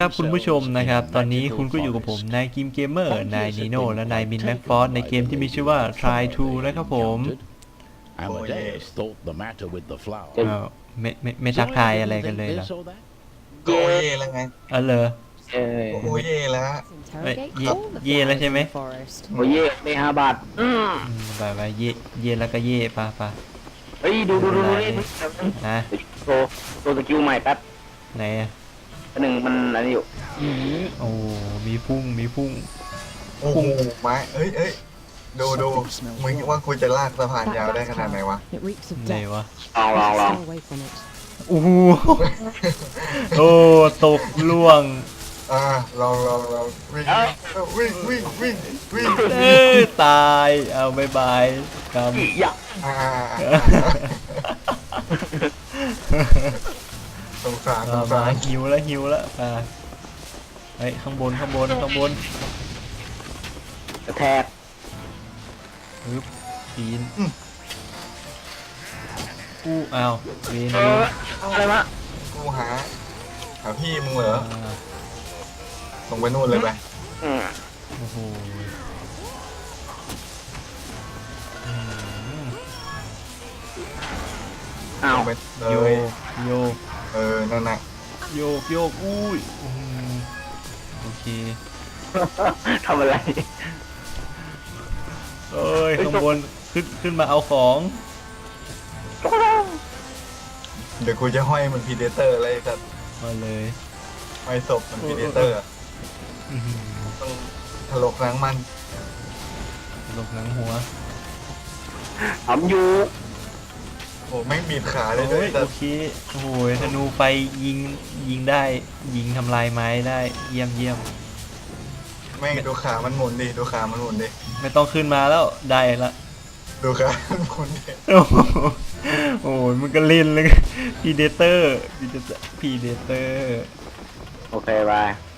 ครับคุณผู้ชมนะครับตอนนี้คุณก็อยู่กับผมนายกิมเกมเมอร์นายนีโน่และนายมินแม็กฟอร์ในเกมที่มีชื่อว่า Try to นะครับผมไม่ทักทายอะไรกันเลยเหรอก็โอเย่แล้วไงเหรอโอเย่แล้วเย่แล้วใช่ไหมโอเย่ไม่5 บาทไปเย่แล้วก็เย่ปะเฮ้ยดูนี่นะโชว์สกิลใหม่แป๊บไหนหนึ่งมันอะไรอยู่โอ้มีพุ่งโอ้โหไม้เอ้ยดูมึงว่ากูจะลากสะพานยาวได้ขนาดไหนวะไหนวะลองโอ้โหโอ้ตกล่วงลองวิ่งตายเอาบายกำสงสารหิวแล้วไอ้ข้างบนกระแทกปีนอ้าวเวนอะไรวะกูหาพี่มึงเหรอส่งไปนู่นเลยไปโอ้โหอ้าวโยนั่นน่ะโยกอุ้ยโอเคทำอะไรข้างบนขึ้นมาเอาของเดี๋ยวกูจะห้อยมันพีเดเตอร์อะไรสัตว์มาเลยห้อยศพมันพีเดเตอร์ต้องถลกหนังมันถลกหนังหัวทำอยู่โอ้แม่งบีบขาเลยด้วยโอเคโอ้ยธนูไฟยิงได้ยิงทำลายไม้ได้เยี่ยมแม่งดูขามันหมุนดิไม่ต้องขึ้นมาแล้วได้ละดูขามันหมุนดิโอ้ยมันก็เล่นเลยพีเดเตอร์โอเคไป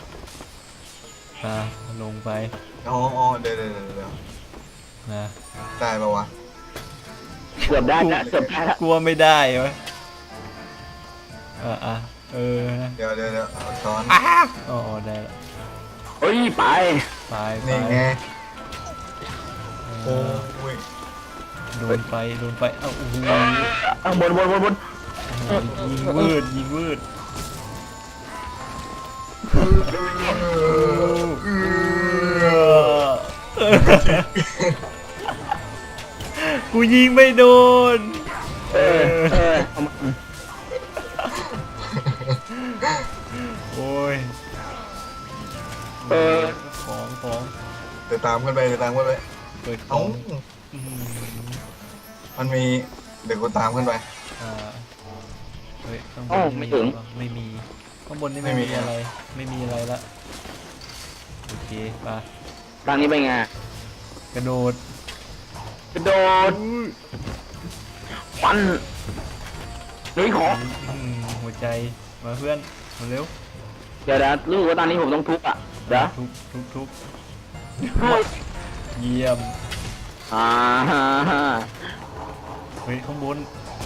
ลงไปอ๋อเดี๋ยวนะได้ปะวะเกือบได้นะกลัวไม่ได้วะเดี๋ยวซ้อนได้ละเฮ้ยไปนี่ไงโอ้ยโดนไฟโอ้โหบนยิงวืดกูยิงไม่โดนโอ้ยของเดี๋ยวตามกันไปเปิดของมันมีเดี๋ยวกูตามกันไปข้างบนไม่มีข้างบนนี่ไม่มีอะไรละโอเคป่ะทางนี้ไปไงกระโดดฟันลุยของหัวใจมาเพื่อนมาเร็วเดี๋ยวรู้ว่าตอนนี้ผมต้องทุบเดี๋ยวทุบเยี่ยมเฮ้ยข้างบน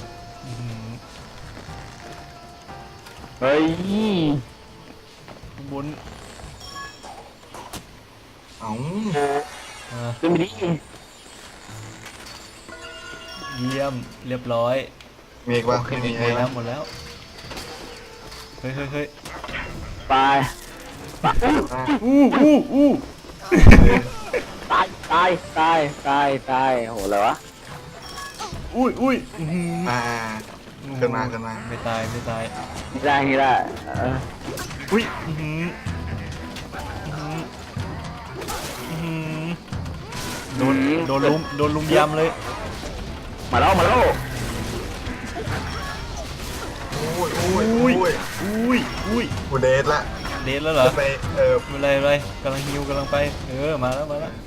เฮ้ยข้างบนขึ้นไปดิเยี่ยมเรียบร้อยมีอีกว่ามีหมดแล้วเฮ้ยไปตายโหอะไรวะอุ้ยขึ้นมาไม่ตายไม่ได้อุ้ยโดนลุมยำเลยมาแล้วอุ้ยกูเดทแล้วเหรอไปอะไรกำลังฮิวกำลังไปมาแล้ว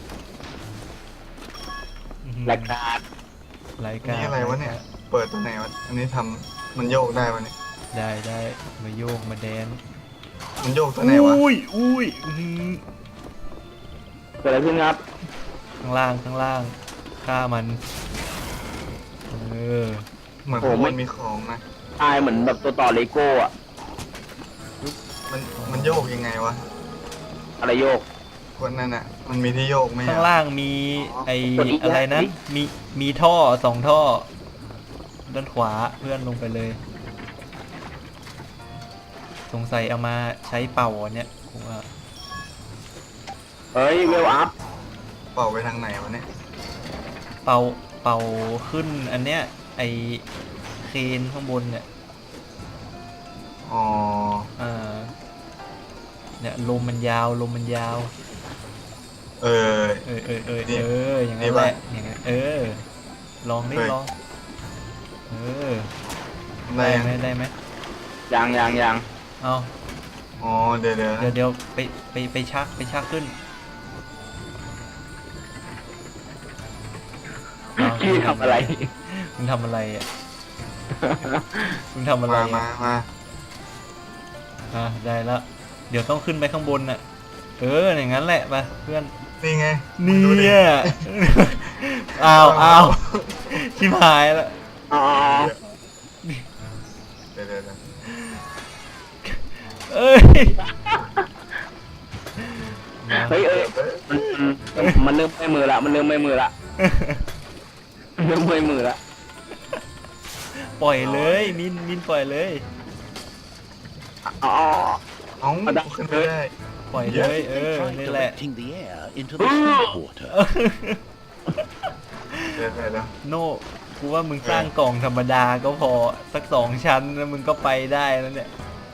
รายการนี่อะไรวะเนี่ยเปิดตัวไหนวะอันนี้ทำมันโยกได้วะเนี่ยได้มาโยกมาแดนมันโยกตัวไหนวะอุ้ยเกิดอะไรขึ้นครับข้างล่างฆ่ามันเหมือนผมมันมีของนะตายเหมือนแบบตัวต่อเลโก้มันมันโยกยังไงวะอะไรโยกคนนั้นอ่ะ มันมีที่โยกไหมข้างอะล่างมีไอกดอีกอะไรนะอีกมีท่อ2 ท่อ ด้านขวาเพื่อนลงไปเลย สงสัยเอามาใช้เป่าอันเนี่ยผมว่าเฮ้ยเวลอัพเป่าไปทางไหนวะเนี่ยเป่าขึ้นอันเนี้ยไอเคนข้างบนเนี่ยอ๋ออ่าเนี่ยลมมันยาวลมมันยาวเออ นี่อย่างนี่นั้นแหปะละอย่างนั้นลองดิเฮ้ยลองได้ได้ยังไหมได้ไหมยังเอาอ๋อเดี๋ยวเดี๋ยวไปชักขึ้นเอาพี่ทำอะไรมึงทำอะไรอ่ะมึงทำอะไรมาอ่ะ ได้แล้วเดี๋ยวต้องขึ้นไปข้างบนน่ะอย่างนั้นแหละไปเพื่อนนี่ไงเนี่ดูดิย อ้าวชิบหายแล้วอ๋อเดี๋ยวเอ้ยเฮ้ยมันเริ่มไม่มือละมันเริ่มไม่มือละเริ่มไม่มือละปล่อยเลยมินปล่อยเลยอ๋อเอ้าขึ้นไม่ได้ปล่อยเลยนี่แหละ directing the air into the salt water. เดี๋ยวโน่กูว่ามึงสร้างกล่องธรรมดาก็พอสัก2 ชั้นแล้วมึงก็ไปได้แล้วเนี่ย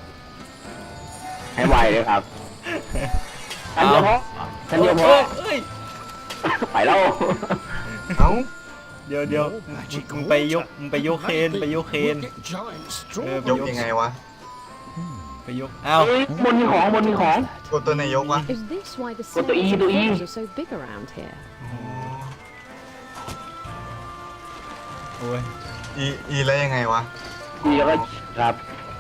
ให้ไวเลยครับฉันเดียวพอฉันเดียวพอเอ้ยไปแล้วเอ้าเดี๋ยว More magic มึงไปยกเคนไปยกเคน We'll get giant straw. ยกยังไงวะไปยกอ้าวเฮ้ยบนมีของกดตัวไหนยกวะ Is this why the What the cells E, and the E? holes are so big around here? โอ้ยอีแล้วยังไงวะดีแล้วก็ครับ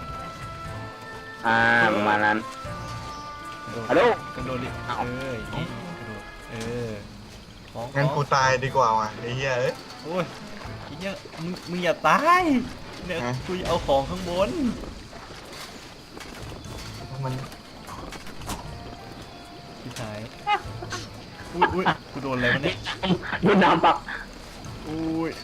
ประมาณนั้น ฮัลโหลกระโดดดิอ้าวอย่างงี้กระโดดของงั้นกูตายดีกว่าว่ะไอ้เหี้ยเอ้ยโอ้ยไอ้เหี้ยมึงอย่าตายเนี่ยฮะกูจะเอาของข้างบนมันพี่ชายอุ้ยกูโดนอะไรวะเนี่ยโดนน้ำปักอุ้ย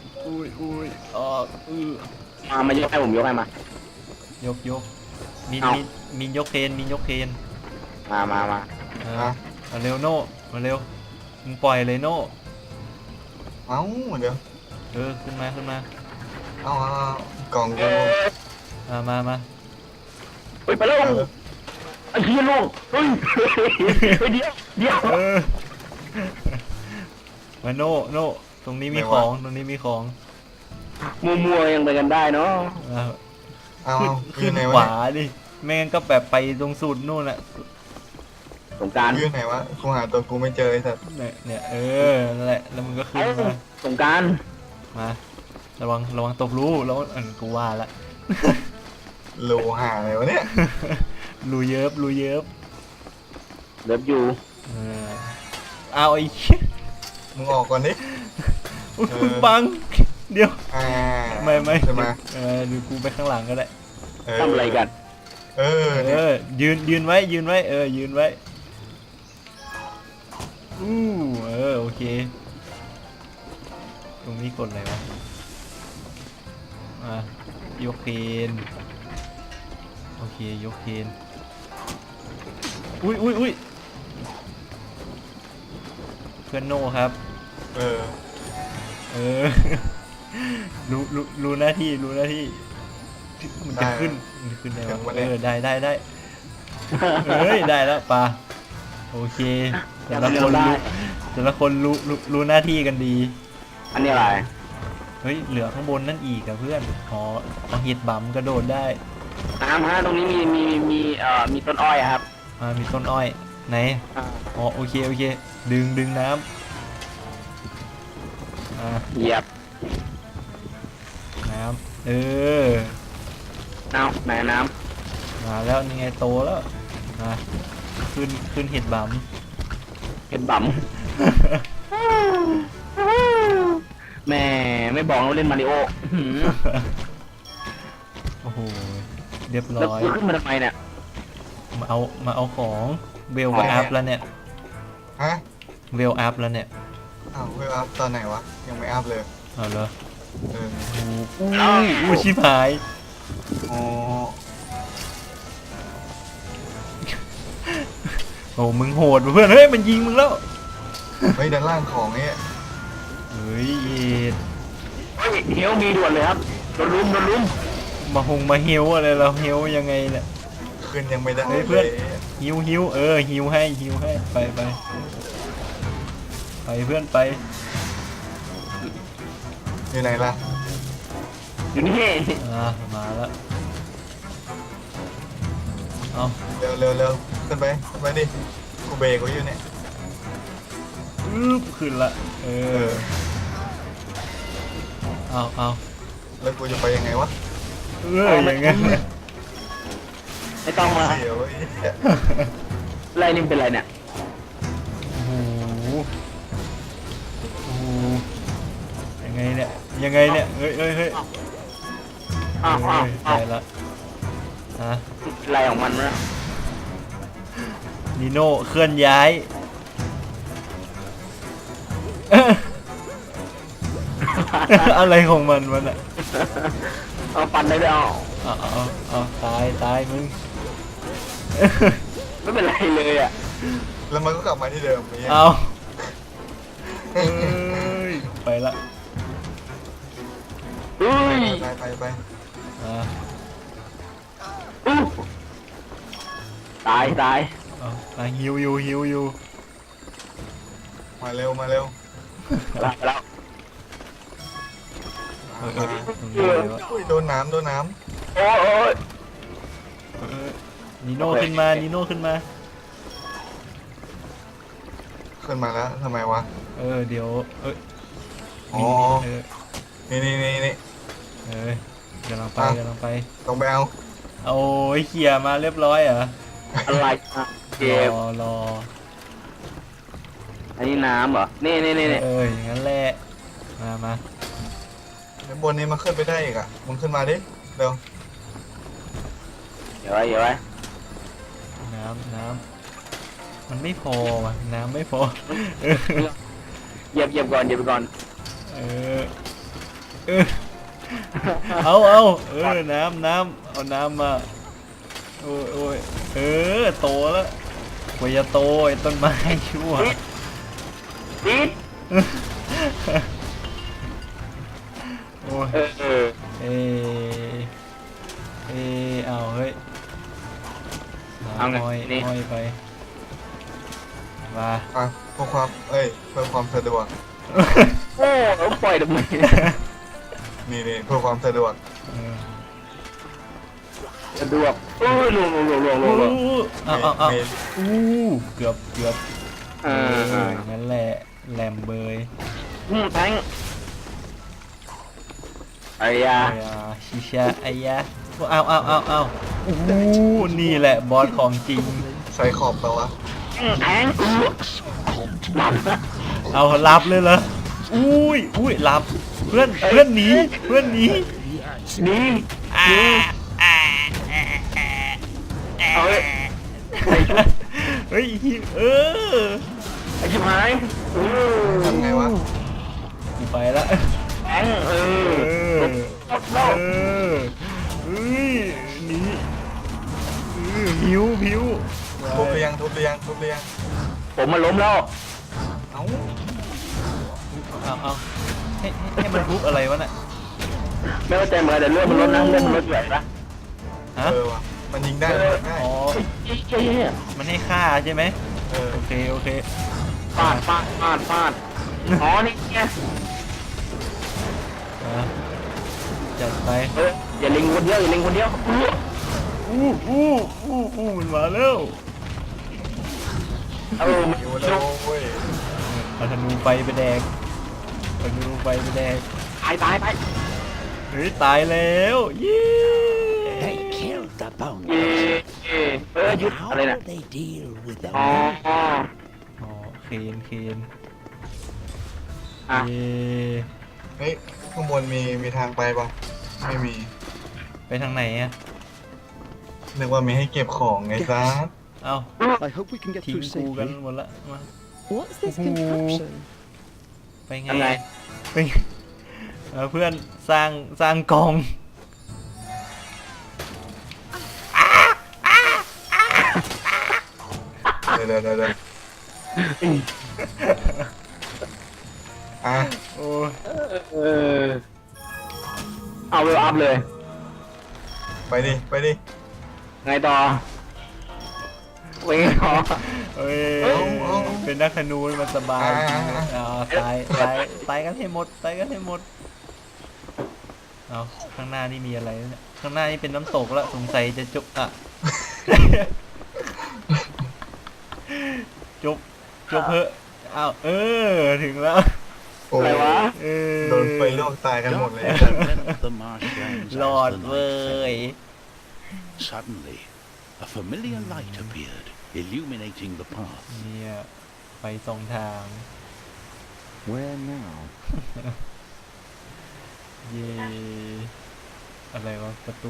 มายกให้ผมยกให้มายกมินเอามินยกเคนมามาเร็วโน่มาเร็วมึงปล่อยเลยโน่เอ้าเดี๋ยวขึ้นมาเอากล่องเอกูอมาเฮ้ยไปแล้วไอ้เหี้ยลูกเฮ้ยเดี๋ยวมาโน่ตรงนี้มีของมัวยังไปกันได้เนาะเอาขึ้นไหนขวะวาดิไม่งั้นก็แบบไปตรงสุดนู่นแหละสงกรารอยู่ไหนวะกูหาตัวกูไม่เจอไอ้สัสเนี่ยนั่นแหละแล้วมึงก็ขึ้นมาสงกรารมาระวังตกรูแล้วกูว่าละโลหาอะไรวะเนี่ยรูเยิบเลิฟอยู่เอาไอ้เหี้ยมึงออกก่อนดิอุ๊ยเออมึงบังเดี๋ยว ไม่ใช่ไหมเดี๋ยวกูไปข้างหลังก็ได้ทำอะไรกันเนี่ยยืนไว้ยืนไว้โอเคตรงนี้กดอะไรวะยกเคนโอเคยกเคนอุ้ยเพื่อนโน่ครับเออรู้หน้าที่มันจะขึ้นได้ถึงปะวะเนี่ยได้ได้แล้วปะโอเคแต่ละคนรู้หน้าที่กันดีอันนี้อะไรเฮ้ยเหลือข้างบนนั่นอีกอะเพื่อนเอาเห็ดบั๋มกระโดดได้น้ำฮะตรงนี้มีต้นอ้อยครับมีต้นอ้อยไหนโอเคดึงน้ำเหยียบน้ำเอาไหนน้มาแล้วนี่ไงโตแล้วขึ้นเห็ดบั๋มำเห็นบั๋มแม่ไม่บอกเราเล่นมาริโอโอ้โหเรียบร้แล้วอยกูขึ้นมาทำไมเนี่ยมาเอาของเวลก็อัพแล้วเนี่ยฮะเวลอัพแล้วเนี่ยอ้าวเวลอัพตอนไหนวะยังไม่อัพเลยเอาเหรอเอออู้ชิบหายอ๋อโอ้มึงโหดว่ะเพื่อนเฮ้ยมันยิงมึงแล้วเฮ้ยด้านล่างของเนี่ยเฮ้ยเอ็ดเฮ้ยเฮลมีด่วนเลยครับโดนลุมมาเฮลอะไรเราเฮลยังไงเนี่ยขึ้นยังไม่ได้เฮ้ยเพื่อนลยฮิวฮิวฮิวให้ไปเพื่อนไปอยู่ไหนล่ะอยู่นี่มาแล้วเอาเร็วขึ้นไปดิกูเบรกไว้อยู่เนี่ยขึ้นละเอาแล้วกูจะไปยังไงวะอย่างงั้นไม่ต้องมาเสียวไอ้เหี้ยอะไรนี่เป็นไรเนี่ยโอ้โหยังไงเนี่ยเฮ้ยอ้าวได้ละฮะอะไรของมันนะนิโน่เคลื่อนย้าย อะไรของมันอ่ะเอาปั่นได้ด้วยเอาตายมึงไม่เป็นไรเลยอ่ะแล้วมันก็กลับมาที่เดิมไอ้เหี้ยเอาไปละเฮ้ยไปอ่าตายเอาฮิวอยู่มาเร็วแล้วตรงนี้เลยวะอุ้ยโดนน้ำโอ้ยนิโน่ขึ้นมาขึ้นมาแล้วทำไมวะเดี๋ยวอ๋อ นี่กำลังไปต้องไปเอาเอาไอ้เขี่ยมาเรียบร้อยเหรออะไรอ่ะเจ็บรออันนี้น้ำเหรอนี่อย่างนั้นแหละมาเดี๋ยวบนนี้มันขึ้นไปได้อีกอ่ะมึงขึ้นมาดิเร็วเดี๋ยวไว้น้ำมันไม่พอว่ะน้ำไม่พอเหยียบก่อนเอาน้ำเอาน้ำมาโอ้ยโตแล้วกว่าจะโตไอ้ต้นไม้ชั่วปิดโอ้ยเอาเฮ้ยห้อยไปมาอ่ะเพื่อความสะดวกโอ้ปล่อยทำไมนี่เพื่อความสะดวกสะดวกลงเอาเกือบงั้นแหละแหลมเบยแทงไอ้ยาชิชาไอ้ยะเอานี่แหละบอสของจริงใส่ขอบตัวะแทงหลับเอารับเลยเหรออุ้ยรับเพื่อนหนีนี่ เอาเฮ้ย ไอ้ชิบหายทำไงวะกูไปละแทงหนีหิวทุบเรียงผมมาล้มแล้วเอ้าเอาให้มันทุบอะไรวะน่ะไม่เข้าใจเหมือนกันแต่เลือดมันลดนะเลือดมันลดใหญ่ปะฮะว่ะมันยิงได้ง่ายอ๋อมันให้ฆ่าใช่ไหมโอเคฟาดอ๋อนี่ไงจัดไปอย่าลิงคนเดียวมันมาแล้วอยู่แล้วเว้ยเอาธนูไปแดกตายเฮ้ยตายแล้วเย้ They killed the เย่ bounty. หยุด How อะไรนะ they deal with them? อ๋อเคนอ่ะเย้เฮ้ยข้างบนมีทางไปป่ะไม่มีไปทางไหนอะนึกว่ามีให้เก็บของไงซะเอา I hope we can get ทิ้ง through กูกัน safely. หมดละมา What's this Ooh. contraption? ไปไงยังไงไปไงเพื่อนสร้างกองเดี๋ยวอ่ะโอ้ยเออเอาเวลอัพเลยไปดิไงต่อเวงต่อเอ้ยเอาเป็นนักธนูมันสบายอ่าตายกันให้หมดตายกันให้หมดเอาข้างหน้านี่มีอะไรเนี่ยข้างหน้านี่เป็นน้ำตกแล้วสงสัยจะจบอ่ะ จบเพอะอ้าวถึงแล้วโอ้อะไรวะเออโดนไฟลวกตายกันหมดเลย Let the marshlands รอด as the เว้ย night fell. Suddenly, a familiar light appeared, illuminating the path. เนี่ยไปสองทาง Where now? เย่อะไรวะประตู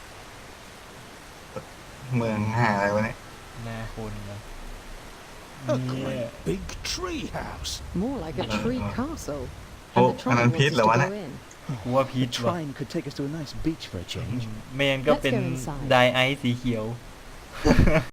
เมืองหาอะไรวะเนี่ยหน้าคนเหรอ A เนี่ย great big tree house. More like a tree castle. Oh, And the and tribe I'm wants Pete, us to Lawana. go in. กูว่าพี The ชว่ะ shrine could take us to a nice beach for a change. ไม่งั้นก็เป็น Let's go inside. ไดไอซ์สีเขียว